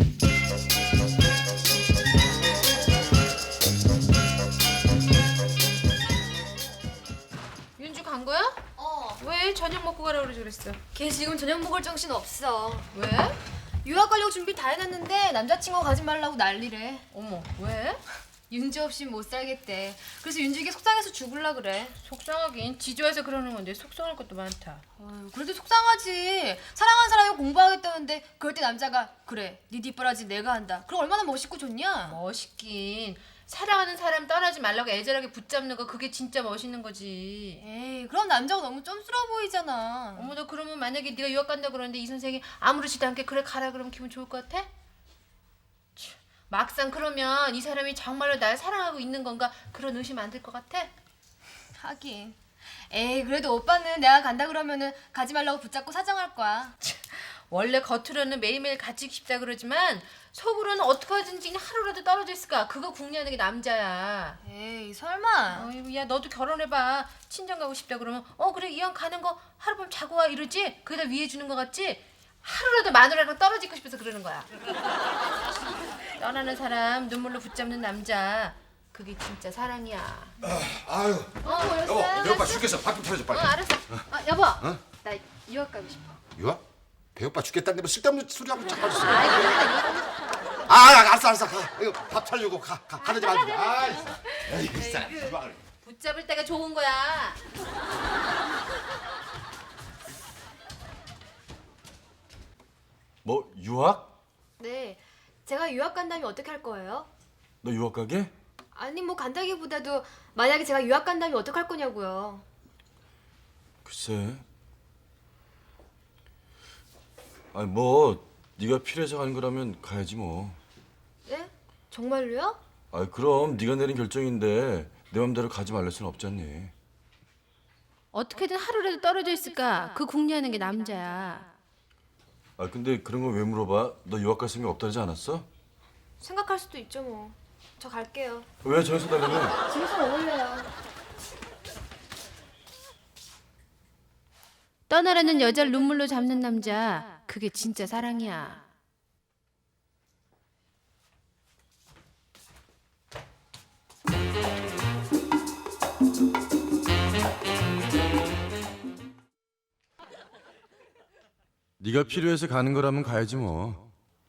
윤주 간 거야? 왜 저녁 먹고 가라고 그랬어? 걔 지금 저녁 먹을 정신 없어. 왜? 유학 가려고 준비 다 해놨는데 남자친구 가지 말라고 난리래. 어머, 왜? 윤주 없이 못 살겠대. 그래서 윤주에게 속상해서 죽을라 그래. 속상하긴 지조해서 그러는 건데 속상할 것도 많다. 어휴, 그래도 속상하지. 사랑하는 사람이 공부하겠다는데 그럴 때 남자가 그래 네 뒷바라지 내가 한다. 그럼 얼마나 멋있고 좋냐? 멋있긴. 사랑하는 사람 떠나지 말라고 애절하게 붙잡는 거 그게 진짜 멋있는 거지. 에이 그럼 남자가 너무 쫌스러워 보이잖아. 어머, 너 그러면 만약에 네가 유학 간다 그러는데 이 선생이 아무렇지도 않게 그래 가라 그러면 기분 좋을 것 같아? 참, 막상 그러면 이 사람이 정말로 날 사랑하고 있는 건가 그런 의심 안 들 것 같아? 하긴. 에이 그래도 오빠는 내가 간다 그러면은 가지 말라고 붙잡고 사정할 거야. 원래 겉으로는 매일매일 같이 싶다 그러지만 속으로는 어떻게 하든지 그냥 하루라도 떨어져 있을까? 그거 궁리하는 게 남자야. 에이 설마. 어이구, 야 너도 결혼해봐. 친정 가고 싶다 그러면 그래 이왕 가는 거 하룻밤 자고 와 이러지? 그게 다 위해 주는 거 같지? 하루라도 마누라랑 떨어지고 싶어서 그러는 거야. 떠나는 사람 눈물로 붙잡는 남자 그게 진짜 사랑이야. 아유. 여보, 배고파 죽겠어. 밥 좀 차려줘 빨리. 알았어. 여보. 나 유학 가고 싶어. 유학? 배고파 죽겠다는데 뭐 쓸데없는 소리 하고 자꾸 하셨어. 아이 그러니까 유학 가고 싶어. 알았어. 가. 이거 밥 차려주고 가르지 말고. 붙잡을 때가 좋은 거야. 뭐 유학? 네. 제가 유학 간다면 어떻게 할 거예요? 너 유학 가게? 아니 뭐 간다기보다도 만약에 제가 유학 간다면 어떡할 거냐고요. 글쎄. 아니 뭐 네가 필요해서 가는 거라면 가야지 뭐. 네? 정말로요? 아이 그럼 네가 내린 결정인데 내 맘대로 가지 말랄 수는 없잖니. 어떻게든 하루라도 떨어져 있을까? 그 궁리하는 게 남자야. 아 근데 그런 걸 왜 물어봐? 너 유학 갈 생각 없다지 않았어? 생각할 수도 있죠 뭐. 저 갈게요. 왜 저기서 달라며? 집에서 먹을래요. 떠나라는 여자를 눈물로 잡는 남자 그게 진짜 사랑이야. 네가 필요해서 가는 거라면 가야지 뭐.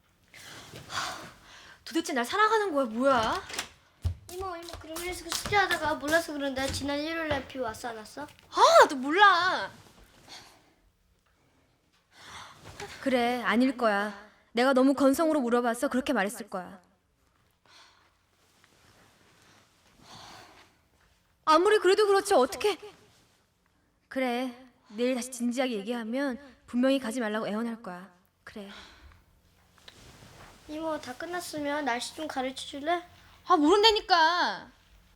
도대체 날 사랑하는 거야 뭐야? 이모 그럼 그래서 숙제하다가 몰라서 그런데 지난 일요일날 비 왔어 안 왔어? 아, 너 몰라. 그래, 아닐 거야. 내가 너무 건성으로 물어봐서 그렇게 말했을 거야. 아무리 그래도 그렇지 어떻게? 그래, 내일 다시 진지하게 얘기하면 분명히 가지 말라고 애원할 거야. 그래. 이모 다 끝났으면 날씨 좀 가르쳐 줄래? 아, 모른다니까.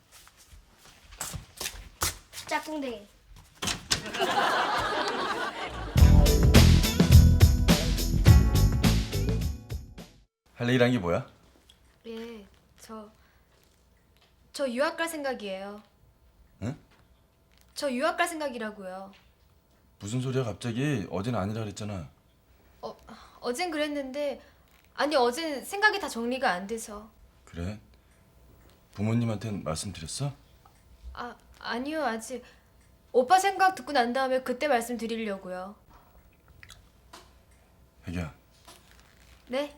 짝꿍댕이. 할 얘기란 게 뭐야? 예, 저 유학 갈 생각이에요. 응? 저 유학 갈 생각이라고요. 무슨 소리야 갑자기? 어젠 아니라 그랬잖아. 어젠 그랬는데 아니 어젠 생각이 다 정리가 안 돼서. 그래? 부모님한텐 말씀드렸어? 아니요 아직. 오빠 생각 듣고 난 다음에 그때 말씀드리려고요. 애기야 네?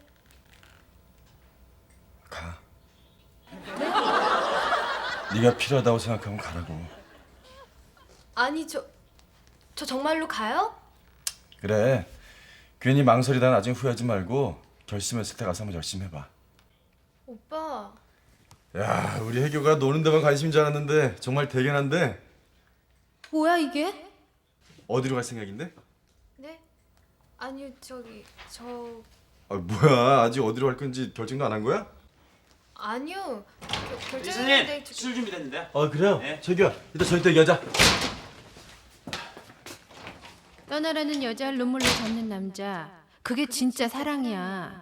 가. 네가 필요하다고 생각하면 가라고. 아니 저 정말로 가요? 그래. 괜히 망설이다 나중에 후회하지 말고 결심했을 때 가서 한번 열심히 해봐. 오빠. 야, 우리 혜교가 노는 데만 관심인 줄 알았는데 정말 대견한데. 뭐야 이게? 어디로 갈 생각인데? 네? 아니요 뭐야, 아직 어디로 갈 건지 결정도 안 한 거야? 아니요 결정했는데 이사님 술 준비됐는데요. 그래요? 네. 저기요, 이따 저희 또 얘기하자. 떠나라는 여자를 눈물로 잡는 남자 그게 진짜 사랑이야.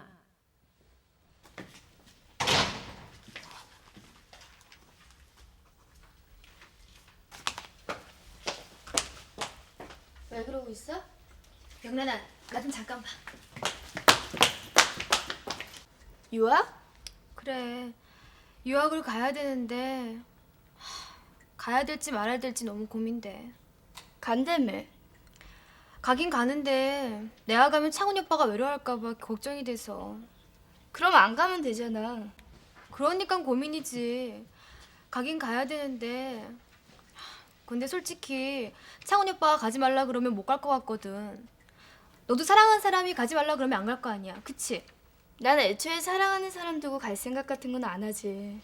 왜 그러고 있어? 영란아 나 좀 잠깐 봐. 유학? 그래. 유학을 가야 되는데 가야 될지 말아야 될지 너무 고민돼. 간다며. 가긴 가는데 내가 가면 창훈이 오빠가 외로워할까 봐 걱정이 돼서. 그럼 안 가면 되잖아. 그러니까 고민이지. 가긴 가야 되는데 근데 솔직히 창훈이 오빠가 가지 말라 그러면 못 갈 것 같거든. 너도 사랑하는 사람이 가지 말라 그러면 안 갈 거 아니야. 그치? 난 애초에 사랑하는 사람 두고 갈 생각 같은 건 안 하지.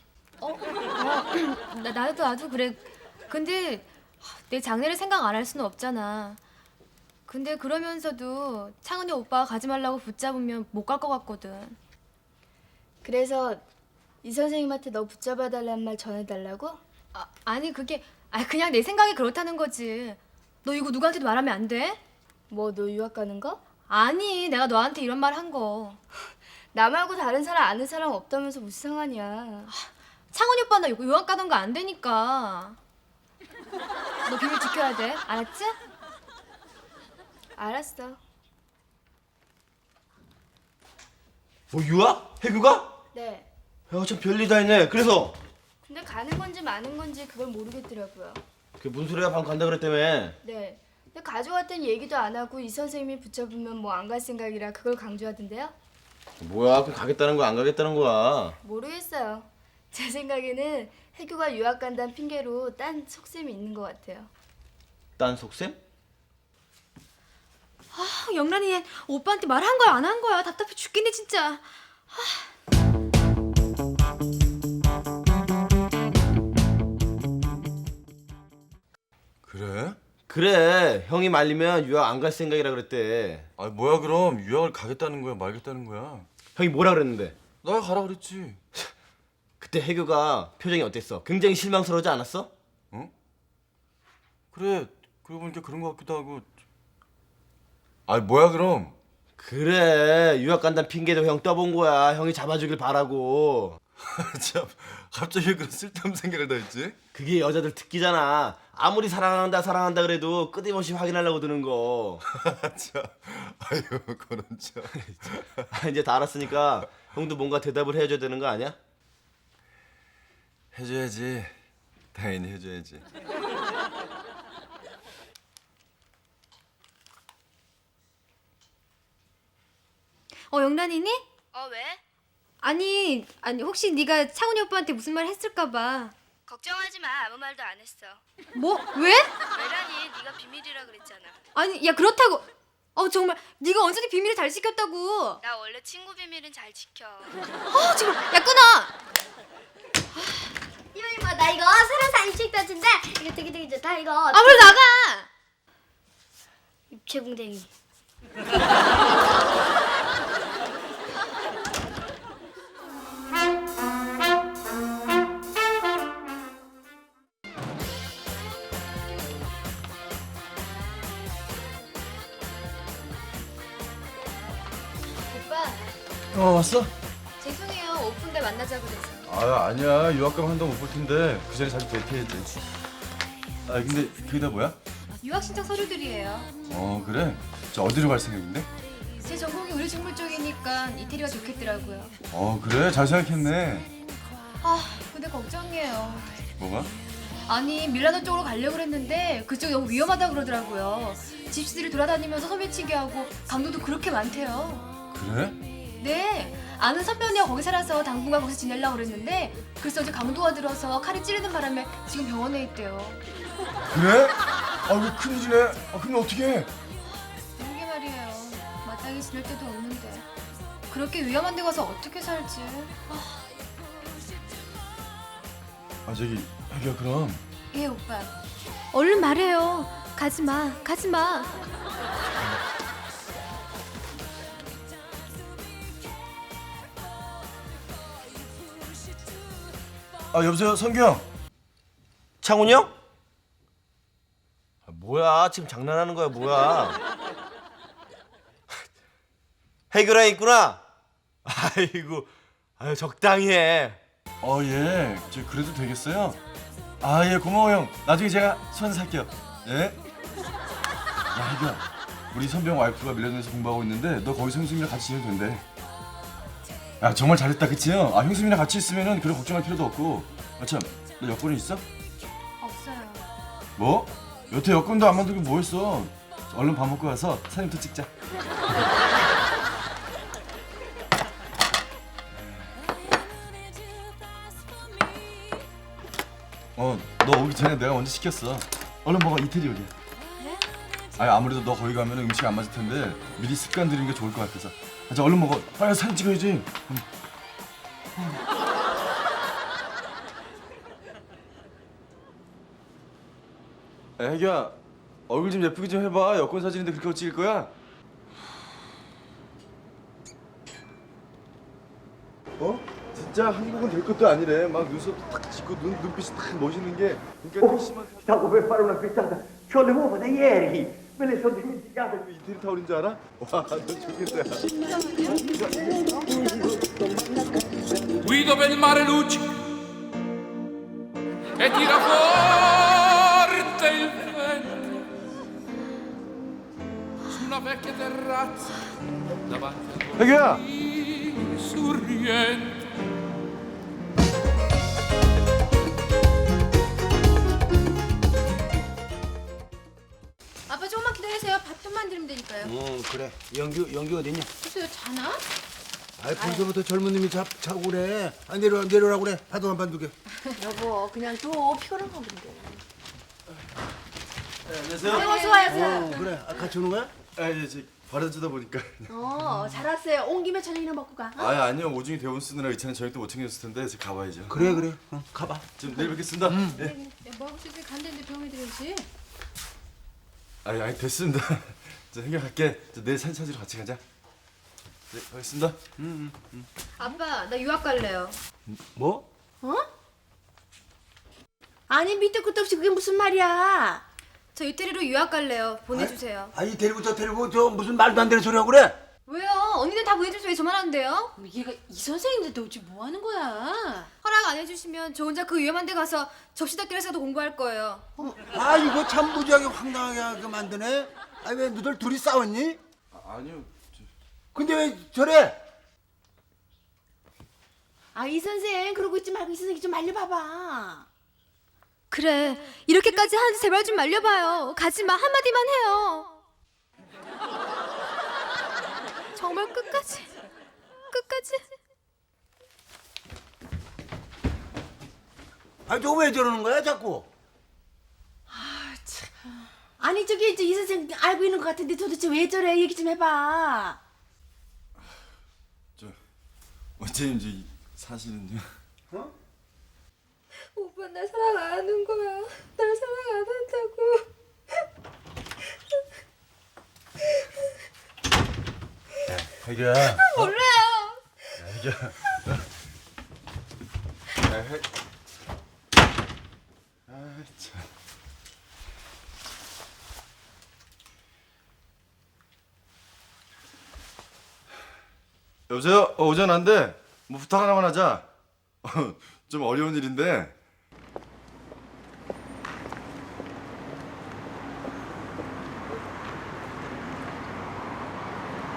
나도 그래. 근데 내 장래를 생각 안 할 수는 없잖아. 근데 그러면서도 창훈이 오빠가 가지 말라고 붙잡으면 못 갈 것 같거든. 그래서 이 선생님한테 너 붙잡아 달라는 말 전해달라고? 아니 그냥 내 생각이 그렇다는 거지. 너 이거 누구한테도 말하면 안 돼? 뭐 너 유학 가는 거? 아니 내가 너한테 이런 말 한 거. 나 말고 다른 사람 아는 사람 없다면서 무슨 상관이야. 창훈이 오빠 나 이거 유학 가던 거 안 되니까. 너 비밀 지켜야 돼. 알았지? 알았어. 유학? 해규가? 네. 야, 참 별일 다 했네. 그래서 근데 가는 건지 마는 건지 그걸 모르겠더라고요. 그게 무슨 소리야? 방금 간다 그랬다며. 네. 근데 가져왔던 얘기도 안 하고 이 선생님이 붙잡으면 뭐 안 갈 생각이라 그걸 강조하던데요? 뭐야? 그럼 가겠다는 거야? 안 가겠다는 거야? 모르겠어요. 제 생각에는 해규가 유학 간다는 핑계로 딴 속셈이 있는 것 같아요. 딴 속셈? 영란이 얘 오빠한테 말한 거야 안 한 거야. 답답해 죽겠네 진짜. 그래? 그래. 형이 말리면 유학 안 갈 생각이라 그랬대. 아 뭐야 그럼 유학을 가겠다는 거야 말겠다는 거야? 형이 뭐라 그랬는데? 나 가라 그랬지. 그때 해규가 표정이 어땠어? 굉장히 실망스러우지 않았어? 그래 그러고 보니까 그런 거 같기도 하고. 아 뭐야 그럼? 그래. 유학 간다는 핑계도 형 떠본 거야. 형이 잡아주길 바라고. 참 갑자기 그런 쓸데없는 생각을 다 했지? 그게 여자들 특기잖아. 아무리 사랑한다 그래도 끊임없이 확인하려고 드는 거. 참 아유 그런 참. 이제 다 알았으니까 형도 뭔가 대답을 해줘야 되는 거 아니야? 해줘야지. 당연히 해줘야지. 영란이니? 왜? 아니 혹시 네가 창훈이 오빠한테 무슨 말 했을까 봐. 걱정하지 마. 아무 말도 안 했어. 뭐? 왜? 왜라니? 네가 비밀이라 그랬잖아. 아니 야 그렇다고. 정말 네가 언제든 비밀을 잘 지켰다고. 나 원래 친구 비밀은 잘 지켜. 정말 야 끊어. 이모 나 이거 새로 산 입책 따진데 이거 되게 좋다 이거. 아무리 나가. 입체궁뎅이. 오빠 왔어? 죄송해요. 오픈 때 만나자고 그래서. 아 아니야 유학 가면 한동 못 볼 텐데 그 전에 자주 데이트해야지. 아 근데 그게 다 뭐야? 유학 신청 서류들이에요. 그래? 저 어디로 갈 생각인데? 제 전공이 의료식물 쪽이니까 이태리가 좋겠더라고요. 그래 잘 생각했네. 근데 걱정이에요. 뭐가? 아니 밀라노 쪽으로 가려고 했는데 그쪽 너무 위험하다 그러더라고요. 집시들이 돌아다니면서 소매치기 하고 강도도 그렇게 많대요. 그래? 네. 아는 선배 언니가 거기 살아서 당분간 거기서 지내려고 그랬는데 글쎄 어제 강도가 들어서 칼이 찌르는 바람에 지금 병원에 있대요. 그래? 왜 큰일이네. 그럼 어떡해? 그러게 말이에요. 마땅히 지낼 데도 없는데 그렇게 위험한 데 가서 어떻게 살지? 저기 혜기야 그럼 예 오빠. 얼른 말해요. 가지마 가지마. 여보세요 성규 형. 창훈이 형? 뭐야? 지금 장난하는 거야 뭐야? 해결해 있구나. 아이고, 적당히 해. 예. 저 그래도 되겠어요? 예 고마워 형. 나중에 제가 수완 살게요. 예? 야 혜기야 우리 선배 형 와이프가 밀라노에서 공부하고 있는데 너 거기서 형수님이랑 같이 지내도 된대. 야 정말 잘했다 그치요? 아 형수님이랑 같이 있으면은 그런 걱정할 필요도 없고. 아참 너 여권이 있어? 없어요. 뭐? 여태 여권도 안 만들고 뭐 했어? 얼른 밥 먹고 가서 사진부터 찍자. 너 오기 전에 내가 먼저 시켰어. 얼른 먹어. 이태리 요리야. 아니 아무래도 너 거기 가면 음식 안 맞을 텐데 미리 습관 들이는 게 좋을 것 같아서. 자 얼른 먹어. 빨리 사진 찍어야지. 애기야 얼굴 좀 예쁘게 좀 해봐. 여권 사진인데 그렇게 찍을 거야? 어? 진짜 한국은 될 것도 아니래. 막 눈썹도 탁 짚고 눈빛이 딱 멋있는 게 그러니까 심한 Stavo per fare una frittata, c'ho le uova da ieri, me le sono dimenticate. 이태리 타올인 줄 알아? 와, 너 좋겠다. Guido per il mare luccica e tira forte il vento su una vecchia terrazza davanti 애기야. al sorriente. 아빠 조금만 기다리세요. 밥 좀 만들면 되니까요. 그래. 연규 어딨냐? 글쎄요, 자나? 아이 벌써부터 젊은 놈이 자고 그래. 아 내려오라고 그래. 파도 한 판 두게. 여보 그냥 둬 피곤한가 본데. 안녕하세요. 어서 와요. 그래. 아, 같이 오는 거야? 아, 예, 저 버려주다 보니까. 잘 왔어요. 온 김에 저녁이나 먹고 가. 아, 아니요. 오중이 대본 쓰느라 이차는 저녁도 못 챙겼을 텐데 이제 가봐야죠. 그래. 가봐. 좀 내일 뵙겠습니다. 예. 야, 뭐하고 싶으면 간대는데 병원에 들어야지. 아니 됐습니다. 저 생각할게. 저 내일 사진 찾으러 같이 가자. 네, 가겠습니다. 아빠 나 유학 갈래요. 뭐? 아니 밑에 끝도 없이 그게 무슨 말이야? 저 이태리로 유학 갈래요. 보내주세요. 아이 데리고 저 무슨 말도 안 되는 소리 하고 그래? 왜요? 언니는 다 보내줘서 왜 저만 안 돼요? 얘가 이 선생인데 너 지금 뭐 하는 거야? 허락 안 해주시면 저 혼자 그 위험한 데 가서 접시닦기라도 공부할 거예요. 아 이거 참 무지하게 황당하게 만드네. 아니 왜 너들 둘이 싸웠니? 아니요. 근데 왜 저래? 아 이 선생 그러고 있지 말고 이 선생 좀 말려봐봐. 그래 이렇게까지 하는데 제발 좀 말려봐요. 가지마 한마디만 해요. 정말 끝까지. 아 저 왜 저러는 거야 자꾸? 아니 저기 이제 이 선생 알고 있는 것 같은데 도대체 왜 저래? 얘기 좀 해봐. 저 원장님 저 사실은요. 오빠 나 사랑 안 하는 거야. 날 사랑 안 한다고. 애기야. 몰라요. 애기야. 아 참. 여보세요? 오전 안 돼. 뭐 부탁 하나만 하자. 좀 어려운 일인데.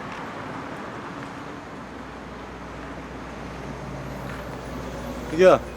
애기야.